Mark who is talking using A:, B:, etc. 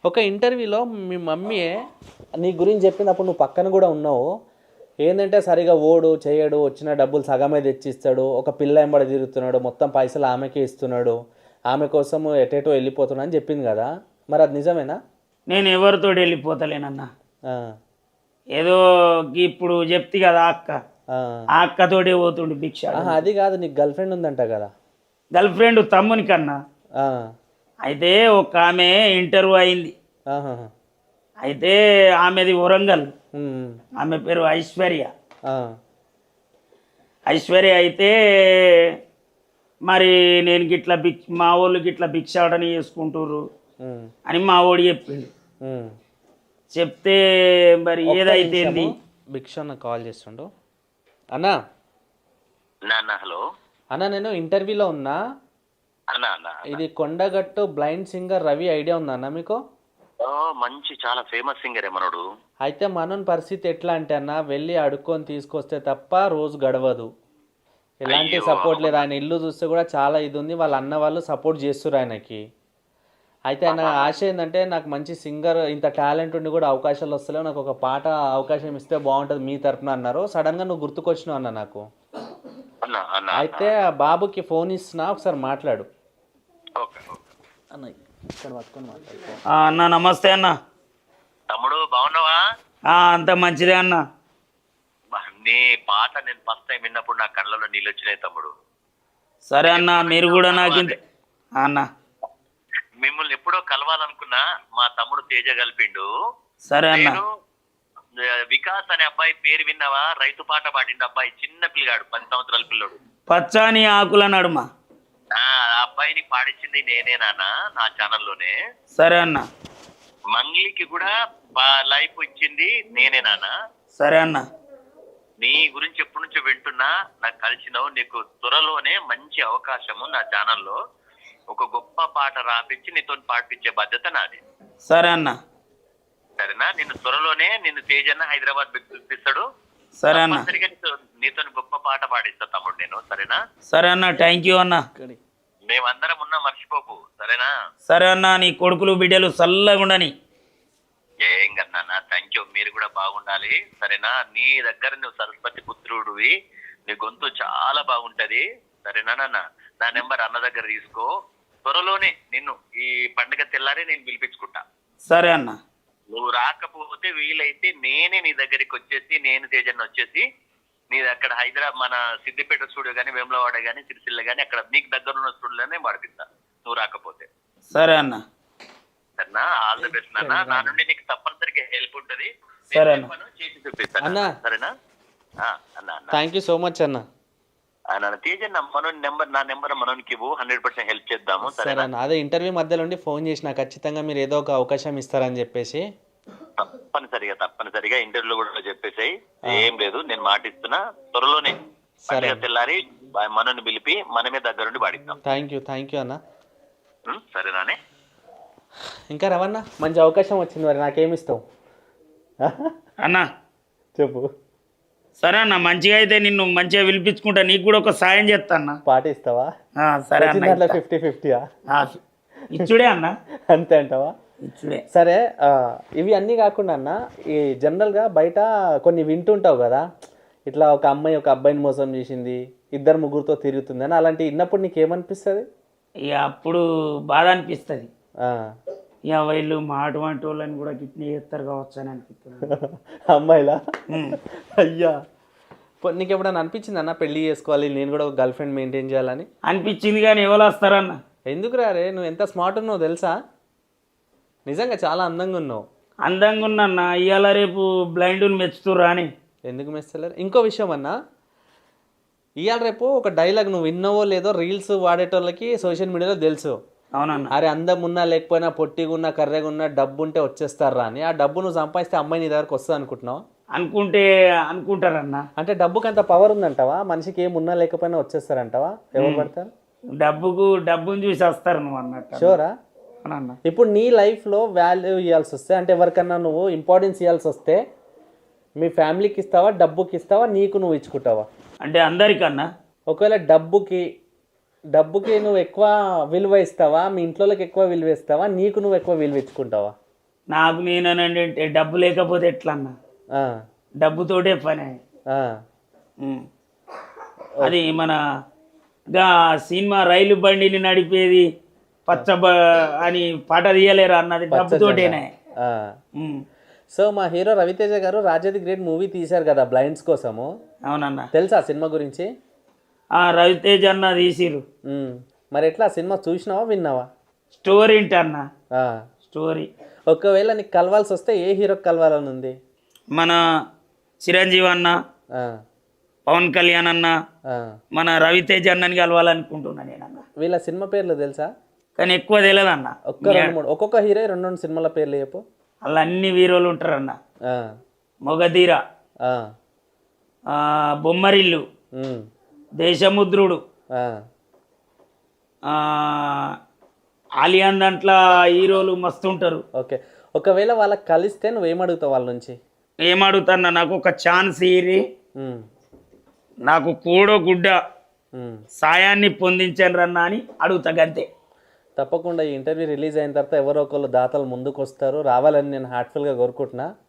A: ఒక ఇంటర్వ్యూలో మీ మమ్మీ నీ గురించి చెప్పినప్పుడు నువ్వు పక్కన కూడా ఉన్నావు. ఏంటంటే సరిగా ఓడు చేయడు, వచ్చిన డబ్బులు సగమే తెచ్చిస్తాడు, ఒక పిల్ల ఎంబడి తిరుగుతున్నాడు, మొత్తం పైసలు ఆమెకే ఇస్తున్నాడు, ఆమె కోసం ఎటేటో వెళ్ళిపోతున్నా అని చెప్పింది కదా, మరి అది నిజమేనా?
B: నేను ఎవరితో వెళ్ళిపోతలేనన్నా.
A: ఆ,
B: ఏదో ఇప్పుడు చెప్తి కదా అక్క,
A: ఆ.
B: ఆ అక్కతోటే పోతుండు భిక్ష.
A: ఆహా, అది కాదు, నీకు గర్ల్ ఫ్రెండ్ ఉందంట కదా.
B: గర్ల్ ఫ్రెండ్ తమ్ముని కన్నా.
A: ఆ,
B: అయితే ఒక ఆమె ఇంటర్వ్యూ అయింది.
A: ఆహాహా.
B: అయితే ఆమెది వరంగల్.
A: ఉమ్,
B: ఆమె పేరు ఐశ్వర్య.
A: ఆ,
B: ఐశ్వర్య అయితే మరి నేను గిట్లా మా వాళ్ళు గిట్లా భిక్షాటన చేసుకుంటుర్రు
A: ఉమ్,
B: అని మా వాడు చెప్పిండు.
A: ఉమ్.
B: చెప్తే మరి ఏదైతే
A: భిక్ష అన్న కాల్ చేస్తుండు. అన్నా
C: నాన్న హలో
A: అన్న, నేను ఇంటర్వ్యూలో ఉన్నా.
C: అన్నా అన్న
A: ఇది Kondagattu blind singer Ravi idea ఉందా అన్న మీకు?
C: ఓ మంచి చాలా ఫేమస్ సింగరే మనోడు.
A: అయితే మనోని పరిస్థితి ఎట్లా అంటే అన్న, వెళ్ళి అడుక్కొని తీసుకొస్తే తప్ప రోజు గడవదు. ఎలాంటి సపోర్ట్ లేదు. ఆయన ఇల్లు చూస్తే కూడా చాలా ఇది ఉంది. వాళ్ళ అన్న వాళ్ళు సపోర్ట్ చేస్తారు ఆయనకి. అయితే ఆయన ఆశ ఏంటంటే, నాకు మంచి సింగర్, ఇంత టాలెంట్ ఉండి కూడా అవకాశాలు వస్తలేవు, నాకు ఒక పాట అవకాశం ఇస్తే బాగుంటుంది మీ తరపున అన్నారు. సడన్గా నువ్వు గుర్తుకొచ్చినావు అన్న నాకు.
C: అన్నా అన్న
A: అయితే ఆ బాబుకి ఫోన్ ఇస్తున్నా, ఒకసారి మాట్లాడు
C: ఓకే ఓకే.
A: అన్న. ఇక్కడ పట్టుకొని మాట్లాడు.
B: అన్న నమస్తే అన్న.
C: తమ్ముడు బాగున్నావా?
B: అంత మంచిదే అన్న.
C: నీ పాట నేను ఫస్ట్ టైం విన్నప్పుడు నా కళ్ళలో నీళ్ళు వచ్చినాయి తమ్ముడు.
B: సరే అన్న, మీరు కూడా నాకు అన్న.
C: మిమ్మల్ని ఎప్పుడో కలవాలనుకున్నా, మా తమ్ముడు తేజ కలిపిండు.
B: సరే అన్న.
C: నేను వికాస్ అనే అబ్బాయి పేరు విన్నావా? రైతు పాట పాడిండు అబ్బాయి, చిన్న పిల్లగాడు, 10 సంవత్సరాల పిల్లడు.
B: పచ్చాని ఆకుల నడుమ.
C: ఆ అబ్బాయిని పాడించింది నేనే నాన్న, నా ఛానల్లోనే.
B: సరే అన్న.
C: మంగ్లీకి కూడా లైఫ్ ఇచ్చింది నేనే నాన్న.
B: సరే అన్న.
C: నీ గురించి ఎప్పటి నుంచో వింటున్నా, నాకు కలిసినావు. నీకు త్వరలోనే మంచి అవకాశము నా ఛానల్లో ఒక గొప్ప పాట రాపించి నీతో పాటించే బాధ్యత నాది.
B: సరే అన్న.
C: సరేనా? నిన్ను త్వరలోనే నిన్ను తేజన్న హైదరాబాద్ పిలిపిస్తాడు.
B: సరే అన్న.
C: నీతో గొప్ప పాట పాడిస్తా తమ్ముడు నేను. సరేనా?
B: సరే అన్న, థ్యాంక్ యూ అన్న.
C: మేమందరం ఉన్నా, మర్చిపోకు. సరేనా?
B: సరే అన్న, నీ కొడుకులు బిడ్డలు చల్లగుండని.
C: ఏం కన్నా, థ్యాంక్ యూ. మీరు కూడా బాగుండాలి. సరేనా? నీ దగ్గర నువ్వు సరస్వతి పుత్రుడివి, నీ గొంతు చాలా బాగుంటది. సరేనా నాన్న? నా నెంబర్ అన్న దగ్గర తీసుకో. త్వరలోనే నిన్ను ఈ పండుగ తెల్లారే నేను పిలిపించుకుంటా.
B: సరే అన్న.
C: నువ్వు రాకపోతే వీలైతే నేనే నీ దగ్గరికి వచ్చేసి, నేను తేజన్న వచ్చేసి నీ అక్కడ హైదరాబాద్ మన సిద్దిపేట స్టూడియో కానీ, వేములవాడ కానీ, సిరిసిల్ల కానీ, అక్కడ నీకు దగ్గర ఉన్న స్టూడియోనే వాడిపిస్తా నువ్వు రాకపోతే.
B: సరే అన్న.
C: సరేనా? ఆల్ ది బెస్ట్ నాన్న. నా నుండి నీకు తప్పనిసరిగా హెల్ప్ ఉంటది.
B: సరే అన్న.
C: చేసి చూపిస్తాను. సరేనా? అన్న అన్న
A: థ్యాంక్ యూ సో మచ్ అన్న.
C: తేజన్న మనోని నెంబర్, నా నెంబర్ మనోనికి ఇవ్వు. 100% హెల్ప్ చేద్దాము.
A: సరే అన్న. అదే ఇంటర్వ్యూ మధ్యలో ఉండి ఫోన్ చేసిన, ఖచ్చితంగా మీరు ఏదో ఒక అవకాశం ఇస్తారని చెప్పేసి.
C: తప్పనిసరిగా ఇంటర్వ్యూలో కూడా చెప్పేసాయి. ఏం లేదు, నేను మాటిస్తున్నా. త్వరలోనే పండుగ తెల్లారి మనోని పిలిపి మనమే దగ్గరుండి పాడిస్తాం.
A: థ్యాంక్ యూ అన్న.
C: సరేనానే?
A: ఇంకా రవన్న, మంచి అవకాశం వచ్చింది, మరి నాకేమిస్తావు
B: అన్న?
A: చెప్పు.
B: సరే అన్న, మంచిగా అయితే నిన్ను మంచిగా పిలిపించుకుంటా. నీకు కూడా ఒక సాయం చేస్తా అన్న.
A: పాట ఇస్తావా?
B: సరే అన్న.
A: 50-50
B: ఇచ్చుడే అన్న.
A: అంతే అంటావా?
B: ఇచ్చుడే.
A: సరే, ఇవి అన్నీ కాకుండా అన్న, ఈ జనరల్గా బయట కొన్ని వింటుంటావు కదా, ఇట్లా ఒక అమ్మాయి ఒక అబ్బాయిని మోసం చేసింది, 2-3 తిరుగుతుంది అని, అలాంటి విన్నప్పుడు నీకేమనిపిస్తుంది?
B: ఇక అప్పుడు బాధ అనిపిస్తుంది. ఇక వీళ్ళు మా అటువంటి వాళ్ళని కూడా కిడ్నీ చేస్తారు కావచ్చు అని అనిపిస్తుంది.
A: అమ్మాయిలా? అయ్యా, నీకు ఎప్పుడైనా అనిపించింది అన్న పెళ్లి చేసుకోవాలి, నేను కూడా ఒక గర్ల్ ఫ్రెండ్ మెయింటైన్ చేయాలని?
B: అనిపించింది, కానీ ఎవరు వస్తారన్న?
A: ఎందుకు రారే, నువ్వు ఎంత స్మార్ట్ ఉన్నావు తెలుసా, నిజంగా చాలా అందంగా ఉన్నావు.
B: అందంగా ఉన్నా ఇవాళ రేపు బ్లైండ్ని మెచ్చుతుర్రా అని.
A: ఎందుకు మెచ్చలేరు? ఇంకో విషయం అన్న, ఇవాళ రేపు ఒక డైలాగ్ నువ్వు విన్నావో లేదో, రీల్స్ వాడేటోళ్ళకి సోషల్ మీడియాలో తెలుసు.
B: అవునన్న.
A: అరే అందం ఉన్నా లేకపోయినా, పొట్టిగా ఉన్నా కర్రెగా ఉన్నా, డబ్బు ఉంటే వచ్చేస్తారా అని. ఆ డబ్బు నువ్వు సంపాదిస్తే అమ్మాయి నీ దగ్గరకు వస్తుంది అనుకుంటున్నావు?
B: అనుకుంటారన్న.
A: అంటే డబ్బుకి అంత పవర్ ఉందంటావా? మనిషికి ఏమున్నా లేకపోయినా వచ్చేస్తారంటావా? ఎవరు పడతారు?
B: డబ్బుని చూసి వస్తారు నువ్వు అన్నట్టు.
A: షూరా? ఇప్పుడు నీ లైఫ్లో వాల్యూ ఇవ్వాల్సి వస్తే, అంటే ఎవరికన్నా నువ్వు ఇంపార్టెన్స్ ఇవ్వాల్సి వస్తే, మీ ఫ్యామిలీకి ఇస్తావా, డబ్బుకి ఇస్తావా, నీకు నువ్వు ఇచ్చుకుంటావా?
B: అంటే అందరికన్నా.
A: ఒకవేళ డబ్బుకి నువ్వు ఎక్కువ విలువ ఇస్తావా, మీ ఇంట్లోకి ఎక్కువ విలువ ఇస్తావా, నీకు నువ్వు ఎక్కువ విలువ ఇచ్చుకుంటావా?
B: నాకు నేనండి అంటే డబ్బు లేకపోతే ఎట్లా అన్న
A: ఆ,
B: డబ్బుతోటే పని.
A: ఆ,
B: ఉమ్. అది మన గా సినిమా రైలు బండిని నడిపేది అని పాట తీయలేరు అన్నది డబ్బుతోటేనే.
A: ఆ.
B: ఉమ్.
A: సో మా hero Raviteja garu Raja the great movie తీశారు కదా బ్లైండ్స్ కోసము,
B: అవునన్న.
A: తెలుసా సినిమా గురించి?
B: రవితేజ అన్న తీసిరు.
A: ఉమ్. మరి ఎట్లా సినిమా చూసినావా విన్నావా?
B: స్టోరీ ఏంటన్న?
A: ఆ.
B: స్టోరీ
A: ఒకవేళ నీకు కలవాల్సి వస్తే ఏ హీరోకి కలవాలని ఉంది?
B: మన చిరంజీవి అన్న,
A: ఆ,
B: పవన్ కళ్యాణ్ అన్న,
A: ఆ.
B: మన రవితేజ అన్నని కలవాలనుకుంటున్నా నేనన్న.
A: వీళ్ళ సినిమా పేర్లు తెలుసా?
B: కానీ ఎక్కువ తెలియదు అన్న.
A: ఒక్క రెండు మూడు ఒక్కొక్క హీరో రెండు రెండు సినిమాల పేర్లు చెప్పు.
B: అలా అన్ని హీరోలు ఉంటారన్న.
A: ఆ,
B: మొగధీర,
A: ఆ,
B: బొమ్మరిల్లు,
A: ఉమ్,
B: దేశముద్రుడు,
A: ఆ.
B: ఆలియాన్ దాంట్లో హీరోలు మస్తు ఉంటారు.
A: ఓకే, ఒకవేళ వాళ్ళకి కలిస్తే నువ్వేమడుగుతావు వాళ్ళ నుంచి?
B: ఏమడుగుతాన్నా, నాకు ఒక ఛాన్స్ ఇరి,
A: ఉమ్,
B: నాకు కూడో గుడ్డ
A: ఉమ్.
B: సాయాన్ని పొందించండి రన్నా అని అడుగుతా గంతే.
A: తప్పకుండా ఈ ఇంటర్వ్యూ రిలీజ్ అయిన తర్వాత ఎవరో ఒకళ్ళు దాతలు ముందుకు వస్తారు, రావాలని నేను హార్ట్ఫుల్గా కోరుకుంటున్నా.